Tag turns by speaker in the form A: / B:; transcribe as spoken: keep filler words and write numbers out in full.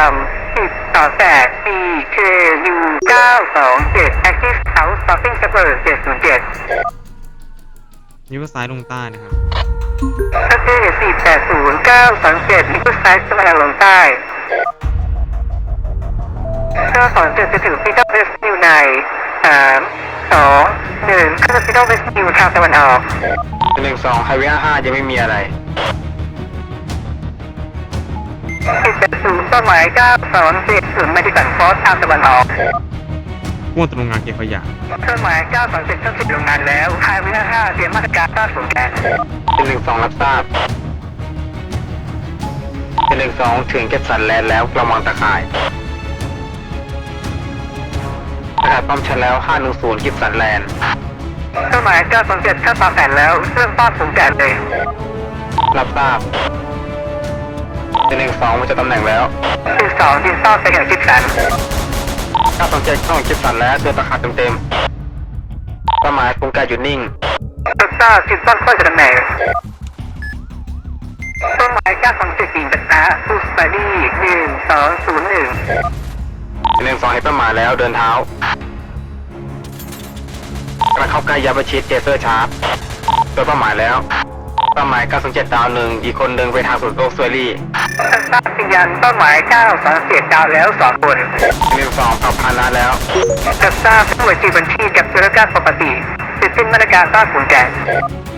A: สิบสองแปด C K U เก้าสองเจ็ด Active House Shopping Server เจ็ดศูนย์เจ็ด
B: นิ้วซ้ายลงใต้นะครับ
A: ประเทศสี่แปดศูนย์เก้าสองเจ็ดนิ้วซ้ายตะวันออกลงใต้เก้าสองเจ็ดจะถึงพิทักษ์เวสต์นิวในสามสองหนึ่งเข้าพิทักษ์เวสต์นิวทางตะวันออก
C: หนึ่งสองไฮเวย์ห้ายังไม่มีอะไร
A: สิบแปดศูนย์เป้าหมายเก้าสองเจ็ดศูนย์มาที่สันฟอสทางตะวันออก
B: พ่วงตรงงานเก็บขยะ
A: เครื่องหมายเก้าสองเจ็ดเครื่องติดโรงงานแล้วไฮเวย์ห้าเตรียมมาตรการต้านฝนแก๊ส
C: หนึ่งสองรับทราบหนึ่งสองถึงเก็บสันแลนด์แล้วระวังตะข่ายประกาศป้อมชันแล้วห้าหนึ่งศูนย์กิฟสันแลนด์
A: เครื่องหมายเก้าสองเจ็ดเข้าตามแผนแล้วเครื่องต้านฝนแก๊สเลย
C: รับทราบหนึ่งสองมาจากตำแหน่งแล้ว
A: หนึ่งสองยิงเป้าไปอย่างกิฟสัน
C: เก้าสองเจ็ดเข้ากิฟสันแล้วเดินตะขาดเต็มๆเป้าหมายกรงไกหยุดนิ่ง
A: รับทราบจิตต้นค่อยจะตำแหน่งเป้าหมายเก้าสองเจ็ดยิงปะทะบูสบารี่หนึ่งสองศูนย์หนึ่ง
C: หนึ่งสองให้เป้าหมายแล้วเดินเท้ากระเข้าใกล้ยาประชิดเจเซอร์ชาร์จตัวเป้าหมายแล้วเป้าหมายเก้าสองเจ็ดดาวหนึ่งอีกคนหนึ่งไปทางสุดโลกสวยรี่
A: ทราบสัญญาณเป้าหมายเก้าสองเจ็ดดาวแล้วสองคน
C: หนึ่งสองขับพานาแล้ว
A: รับทราบผู้บัญชีบัญชีกับธุรการปกติติดสิ้นมาตรการต้านฝนแก๊ส